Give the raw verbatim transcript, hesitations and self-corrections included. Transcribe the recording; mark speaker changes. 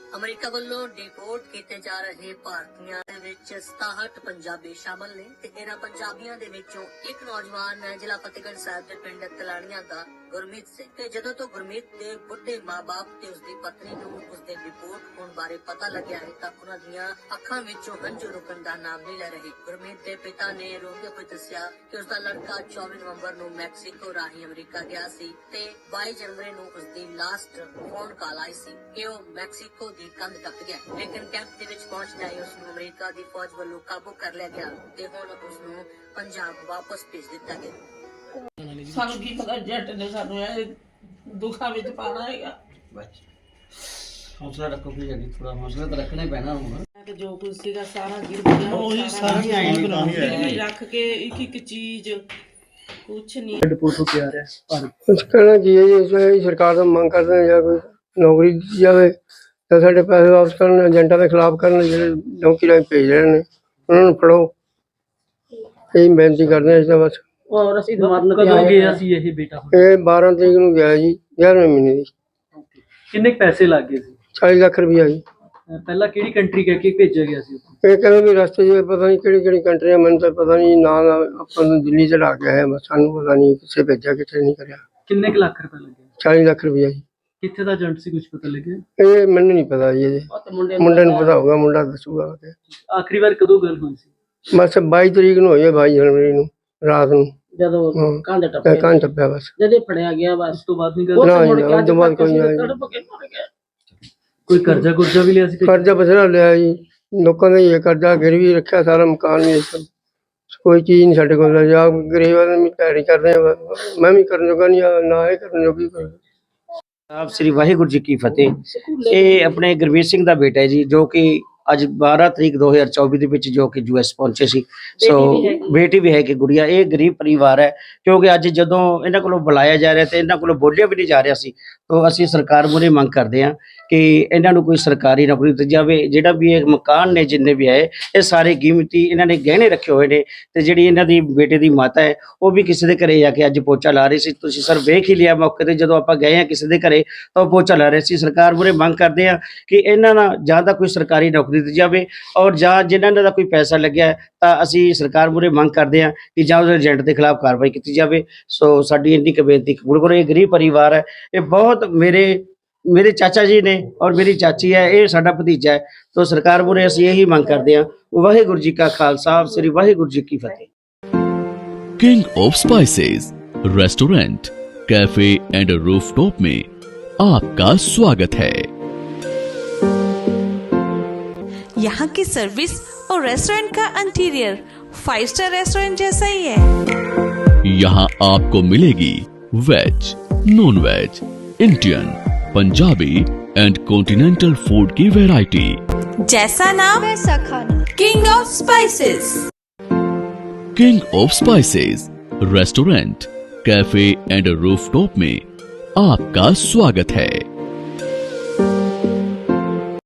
Speaker 1: America ਵੱਲੋਂ deport ਕੀਤੇ ਜਾ ਰਹੇ ਭਾਰਤੀਆਂ ਦੇ ਵਿੱਚ ਸਤਾਹਠ ਪੰਜਾਬੀ ਸ਼ਾਮਲ ਨੇ ਤੇ ਇਹਨਾਂ ਪੰਜਾਬੀਆਂ ਦੇ ਵਿੱਚੋਂ ਇੱਕ ਨੌਜਵਾਨ ਜ਼ਿਲ੍ਹਾ ਫਤਿਹਗੜ੍ਹ ਸਾਹਿਬ ਦੇ ਪਿੰਡ ਤਲਾਣੀਆਂ ਦਾ ਗੁਰਮੀਤ ਸਿੰਘ ਤੇ ਜਦੋਂ ਤੋਂ ਗੁਰਮੀਤ ਦੇ ਬੁੱਢੇ ਮਾਂ-ਬਾਪ ਤੇ ਉਸਦੀ ਪਤਨੀ ਨੂੰ ਉਸਦੇ ਡਿਪੋਰਟ ਹੋਣ ਬਾਰੇ ਪਤਾ ਲੱਗਿਆ ਹੈ ਤਾਂ ਉਹਨਾਂ ਦੀਆਂ ਅੱਖਾਂ ਵਿੱਚੋਂ ਹੰਝੂ ਰੁਕਣ ਦਾ ਨਾਮ ਨਹੀਂ ਲੈ ਰਹੇ। ਗੁਰਮੀਤ ਦੇ ਪਿਤਾ ਨੇ ਰੋਂਦੇ ਹੋਏ ਦੱਸਿਆ ਕਿ ਉਸਦਾ ਲੜਕਾ ਚੌਵੀ ਨਵੰਬਰ ਨੂੰ ਮੈਕਸੀਕੋ ਰਾਹੀਂ ਅਮਰੀਕਾ ਗਿਆ ਸੀ ਤੇ ਬਾਈ ਜਨਵਰੀ ਨੂੰ ਉਸਦੀ ਲਾਸਟ ਫੋਨ ਕਾਲ ਆਈ ਸੀ ਕਿ ਉਹ ਮੈਕਸੀਕੋ ਦੀ ਕੰਧ ਟੱਪ ਗਿਆ, ਲੇਕਿਨ ਕੈਂਪ ਦੇ ਵਿੱਚ ਪਹੁੰਚਦਾ ਹੀ ਉਸ ਨੂੰ ਅਮਰੀਕਾ ਦੀ ਫੌਜ ਵੱਲੋਂ ਕਾਬੂ ਕਰ ਲਿਆ ਗਿਆ ਤੇ ਹੁਣ ਉਸ ਨੂੰ ਪੰਜਾਬ ਵਾਪਸ ਭੇਜ ਦਿੱਤਾ ਗਿਆ।
Speaker 2: ਸਾਨੂੰ ਕੀ ਪਤਾ ਜੱਟ ਨੇ ਸਾਨੂੰ ਇਹ ਦੁੱਖਾਂ ਵਿੱਚ ਪਾਣਾ ਹੈਗਾ।
Speaker 3: ਹੌਸਲਾ ਰੱਖੋ ਵੀ ਜੀ, ਥੋੜਾ ਹੌਸਲਾ ਤਾਂ ਰੱਖਣਾ ਹੀ ਪੈਣਾ ਹੁਣ
Speaker 2: ਕਿ ਜੋ ਕੁਝ ਸੀਗਾ ਸਾਰਾ ਗਿਰ ਗਿਆ,
Speaker 3: ਉਹੀ ਸਾਰੀ ਆਈ ਨਹੀਂ ਤਾਂ
Speaker 2: ਵੀ ਰੱਖ ਕੇ ਇੱਕ ਇੱਕ ਚੀਜ਼ ਕੁਛ ਨਹੀਂ
Speaker 3: ਰਿਪੋਰਟ ਤਿਆਰ ਹੈ ਪਰ
Speaker 4: ਕੁਛ ਕਹਿਣਾ ਕੀ ਹੈ ਜੀ, ਸਰਕਾਰ ਤੋਂ ਮੰਗ ਕਰਦੇ ਹਾਂ ਜਾਂ ਕੋਈ ਨੌਕਰੀ ਦਿੱਤੀ ਜਾਵੇ ਤਾਂ ਸਾਡੇ ਪੈਸੇ ਵਾਪਸ ਕਰਨ, ਏਜੰਟਾਂ ਦੇ ਖਿਲਾਫ ਕਰਨ ਜਿਹੜੇ ਨੌਕਰੀ ਰਾਹੀਂ ਭੇਜ ਰਹੇ ਨੇ ਉਹਨਾਂ ਨੂੰ ਫੜੋ, ਇਹੀ ਬੇਨਤੀ ਕਰਦੇ ਹਾਂ। ਇਸ ਦਾ ਬਸ
Speaker 2: ਔਰ ਅਸੀਂ ਮਰਨ
Speaker 3: ਕਦੋਂ ਗਿਆ ਸੀ ਇਹ ਬੇਟਾ?
Speaker 4: ਇਹ ਬਾਰਾਂ ਤਰੀਕ ਨੂੰ ਗਿਆ ਜੀ, ਗਿਆਰਵੇਂ ਮਹੀਨੇ ਦੀ।
Speaker 3: ਕਿੰਨੇ ਪੈਸੇ ਲੱਗ ਗਏ ਸੀ?
Speaker 4: ਚਾਲੀ ਲੱਖ ਰੁਪਈਆ ਜੀ।
Speaker 3: ਪਹਿਲਾਂ ਕਿਹੜੀ ਕੰਟਰੀ ਕਹਿ ਕੇ ਭੇਜਿਆ ਗਿਆ ਸੀ?
Speaker 4: ਇਹ ਕਹਿੰਦੇ ਵੀ ਰਸਤੇ 'ਚ ਪਤਾ ਨਹੀਂ ਕਿਹੜੀ ਕਿਹੜੀ ਕੰਟਰੀ ਆ, ਮੈਨੂੰ ਤਾਂ ਪਤਾ ਨਹੀਂ ਨਾ ਨਾ ਆਪਾਂ ਨੂੰ ਦਿੱਲੀ ਚੜਾ ਕੇ ਆਏ, ਬਸ ਸਾਨੂੰ ਪਤਾ ਨਹੀਂ ਕਿੱਥੇ ਭੇਜਿਆ ਕਿੱਥੇ ਨਹੀਂ ਕਰਿਆ।
Speaker 3: ਕਿੰਨੇ ਕੁ ਲੱਖ ਰੁਪਏ ਲੱਗੇ?
Speaker 4: ਚਾਲੀ ਲੱਖ ਰੁਪਈਆ ਜੀ।
Speaker 3: ਕਿੱਥੇ ਦਾ ਏਜੰਟ ਸੀ, ਕੁਝ ਪਤਾ ਲੱਗਿਆ?
Speaker 4: ਇਹ ਮੈਨੂੰ ਨਹੀਂ ਪਤਾ ਜੀ, ਇਹਦੇ ਮੁੰਡੇ ਨੂੰ ਪਤਾ ਹੋਊਗਾ, ਮੁੰਡਾ ਦੱਸੂਗਾ।
Speaker 3: ਆਖਰੀ ਵਾਰ ਕਦੋਂ ਗੱਲ ਹੋਈ ਸੀ?
Speaker 4: ਬਸ ਬਾਈ ਤਰੀਕ ਨੂੰ ਹੋਈ ਹੈ, ਬਾਈ ਜਨਵਰੀ ਨੂੰ ਰਾਤ ਨੂੰ,
Speaker 2: ਜਦੋਂ ਕੰਧ ਟੱਪਿਆ
Speaker 4: ਕੰਨ ਟੱਪਿਆ ਬਸ।
Speaker 2: ਜਦੋਂ ਫੜਿਆ ਗਿਆ ਬਸ
Speaker 3: ਉਸ ਤੋਂ ਬਾਅਦ ਨਹੀਂ ਗੱਲ?
Speaker 4: ਨਾ ਜੀ, ਉਸ ਤੋਂ ਬਾਅਦ ਕੋਈ ਨਹੀਂ।
Speaker 3: ਕੋਈ ਕਰਜ਼ਾ ਕੁਰਜ਼ਾ ਵੀ ਲਿਆ ਸੀ?
Speaker 4: ਕਰਜ਼ਾ ਬਥੇਰਾ ਲਿਆ ਜੀ, ਲੋਕਾਂ ਦਾ ਹੀ ਕਰਜ਼ਾ ਗਿਰਵੀ ਰੱਖਿਆ, ਸਾਰਾ ਮਕਾਨ ਵੀ ਕੋਈ ਚੀਜ਼ ਨਹੀਂ ਸਾਡੇ ਕੋਲ। ਜਾਂ ਗਰੀਬ ਆਦਮੀ ਤਿਆਰੀ ਕਰਦੇ ਆ, ਮੈਂ ਵੀ ਕਰਨ ਜੋਗਾ ਨਹੀਂ, ਨਾ ਇਹ ਕਰਨ ਜੋਗੀ।
Speaker 5: ਆਪ ਸ੍ਰੀ ਵਾਹਿਗੁਰੂ ਜੀ ਕੀ ਫਤਿਹ। ਇਹ ਆਪਣੇ ਗੁਰਮੀਤ ਸਿੰਘ ਦਾ ਬੇਟਾ ਹੈ ਜੀ, ਜੋ ਕਿ ਅੱਜ ਬਾਰਾਂ ਤਰੀਕ ਦੋ ਹਜ਼ਾਰ ਚੌਵੀ ਦੇ ਵਿੱਚ ਜੋ ਕਿ ਯੂ ਐਸ ਪਹੁੰਚੇ ਸੀ। ਸੋ ਬੇਟੀ ਵੀ ਹੈ ਕਿ ਗੁੜੀਆ। ਇਹ ਗਰੀਬ ਪਰਿਵਾਰ ਹੈ, ਕਿਉਂਕਿ ਅੱਜ ਜਦੋਂ ਇਹਨਾਂ ਕੋਲੋਂ ਬੁਲਾਇਆ ਜਾ ਰਿਹਾ ਤੇ ਇਹਨਾਂ ਕੋਲੋਂ ਬੋਲਿਆ ਵੀ ਨਹੀਂ ਜਾ ਰਿਹਾ ਸੀ, ਤਾਂ ਅਸੀਂ ਸਰਕਾਰ ਮੂਹਰੇ ਮੰਗ ਕਰਦੇ ਹਾਂ ਕਿ ਇਹਨਾਂ ਨੂੰ ਕੋਈ ਸਰਕਾਰੀ ਨੌਕਰੀ ਦਿੱਤੀ ਜਾਵੇ। ਜਿਹੜਾ ਵੀ ਇਹ ਮਕਾਨ ਨੇ ਜਿੰਨੇ ਵੀ ਹੈ, ਇਹ ਸਾਰੇ ਕੀਮਤੀ ਇਹਨਾਂ ਨੇ ਗਹਿਣੇ ਰੱਖੇ ਹੋਏ ਨੇ ਤੇ ਜਿਹੜੀ ਇਹਨਾਂ ਦੀ ਬੇਟੇ ਦੀ ਮਾਤਾ ਹੈ ਉਹ ਵੀ ਕਿਸੇ ਦੇ ਘਰੇ ਜਾ ਕੇ ਅੱਜ ਪੋਚਾ ਲਾ ਰਹੀ ਸੀ। ਤੁਸੀਂ ਸਰ ਵੇਖ ਹੀ ਲਿਆ ਮੌਕੇ ਤੇ, ਜਦੋਂ ਆਪਾਂ ਗਏ ਹਾਂ ਕਿਸੇ ਦੇ ਘਰੇ ਤਾਂ ਉਹ ਪੋਚਾ ਲਾ ਰਹੇ ਸੀ। ਸਰਕਾਰ ਮੂਹਰੇ ਮੰਗ ਕਰਦੇ ਹਾਂ ਕਿ ਇਹਨਾਂ ਨਾਲ ਜਾਂ ਤਾਂ ਕੋਈ ਸਰਕਾਰੀ ਨੌਕਰੀ ਦਿੱਤੀ ਜਾਵੇ, ਔਰ ਜਾਂ ਜਿਨ੍ਹਾਂ ਦਾ ਕੋਈ ਪੈਸਾ ਲੱਗਿਆ ਤਾਂ ਅਸੀਂ ਸਰਕਾਰ ਮੂਹਰੇ ਮੰਗ ਕਰਦੇ ਹਾਂ ਕਿ ਜਾਂ ਉਸ ਏਜੰਟ ਦੇ ਖਿਲਾਫ ਕਾਰਵਾਈ ਕੀਤੀ ਜਾਵੇ। ਸੋ ਸਾਡੀ ਇੰਨੀ ਕੁ ਬੇਨਤੀ ਕਬੂਲ ਕਰੋ। ਇਹ ਗਰੀਬ ਪਰਿਵਾਰ ਹੈ, ਇਹ ਬਹੁਤ ਮੇਰੇ ਮੇਰੇ ਚਾਚਾ ਜੀ ਨੇ ਔਰ ਮੇਰੀ ਚਾਚੀ ਹੈ, ਇਹ ਸਾਡਾ ਭਤੀਜਾ ਹੈ। ਤਾਂ ਸਰਕਾਰ ਮੂਹਰੇ ਅਸੀਂ ਇਹੀ ਮੰਗ ਕਰਦੇ ਹਾਂ। ਵਾਹਿਗੁਰੂ ਜੀ ਕਾ ਖਾਲਸਾ, ਸ੍ਰੀ ਵਾਹਿਗੁਰੂ ਜੀ ਕੀ ਫਤਿਹ।
Speaker 6: King of spices restaurant, cafe and rooftop में आपका स्वागत है।
Speaker 7: यहाँ की सर्विस और रेस्टोरेंट का इंटीरियर फाइव स्टार रेस्टोरेंट जैसा ही है।
Speaker 6: यहाँ आपको मिलेगी veg, non veg, Indian, Punjabi and continental food की वैरायटी।
Speaker 7: जैसा नाम वैसा खाना। King of spices.
Speaker 6: King of spices restaurant, cafe and rooftop में आपका स्वागत है।